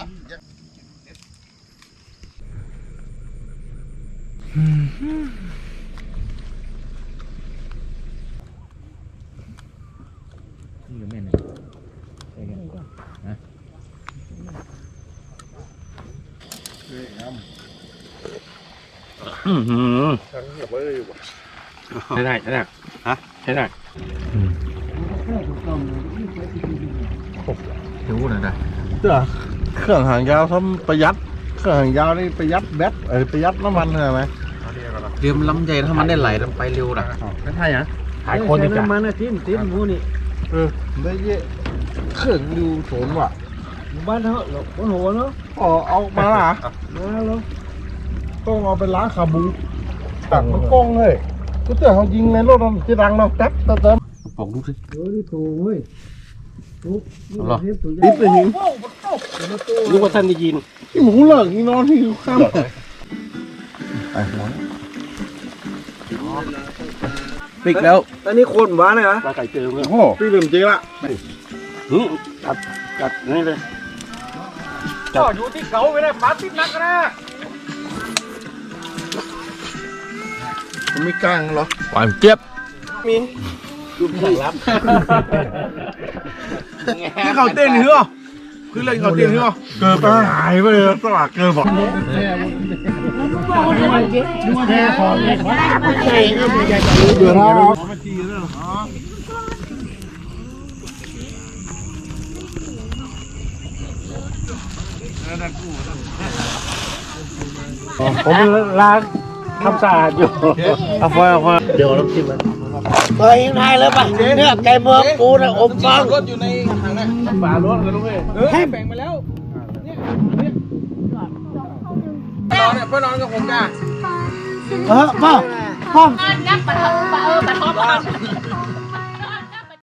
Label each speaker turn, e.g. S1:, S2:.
S1: นี่ก็แม่นใช่กันนะใช่ได้ใช่ได้ฮะใช่ได้รู้นะได้
S2: เจ้าเครื่องหางยาวทำประหยัดเครื่องหางยาวนี่ประหยัดแบตประหยัดน้ำมันใช่ไหม
S1: เรือมันล้ำใจถ้ามันได้ไหลมันไปเร็วนะ
S2: ไม่ใช่ฮะ
S1: ถ่ายคนดีกว่า
S3: มันนะทิ้มหมูนี่
S2: ได้เยอะเครื่องดูโสนว่ะ
S3: บ้านเขาหลบหัวเนาะ
S2: เอามาล่ะ
S3: มาแล้ว
S2: ต้องเอาไปล้างคาบูตักมันกล้องเลยก็เจ้าเขายิงในรถมันจะดังเนาะแป๊บเติม
S1: ปองดูสิ
S3: เฮ้ยนี่ถูกเว้ยถูกนี่ถูก
S2: ดิบเลยหิง
S1: รู้ว่าท่านได้ยิน
S2: ที่หมูเลิกนี่นอนที่ข้ามไอ้หัว
S1: ปิกแล้ว
S3: อันนี้คนหวานเลยเหรอ
S1: ปลาไก่เจอเลย
S2: โอ้พี่ลืมจริงละ
S1: จัดนี่เลย
S3: ก็อยู่ที่เขาไม่ได้ปลาติดนักนะ
S2: มันไม่กลางเหรอ
S1: หวานเจี๊ยบ
S3: ดูแข่งรับ
S2: ที่เขาเต้นเหรอคือเรื่องเขาเต้นเหรอเกิดหายไปเลยสว่างเกิดบอก
S3: แค่พอเลยใช่ก็มีใจ
S2: เดือดร้อน
S3: ผมล้างทำสะอาดอยู่เอาไฟเดี๋ยวน้ำจิ้มมันเฮ้ยยังไงเลยป่ะเนี่ยไก่เมืองกูนะอมฟัง
S2: รถอยู่ในถังนะฝารถกันด้วยให้แบ่งไปแล้วนอนเนี่ยเพื่อนนอนกับผมจ้ะ
S3: พ่อ
S4: ยักษ์ปะเถอะปะท้อง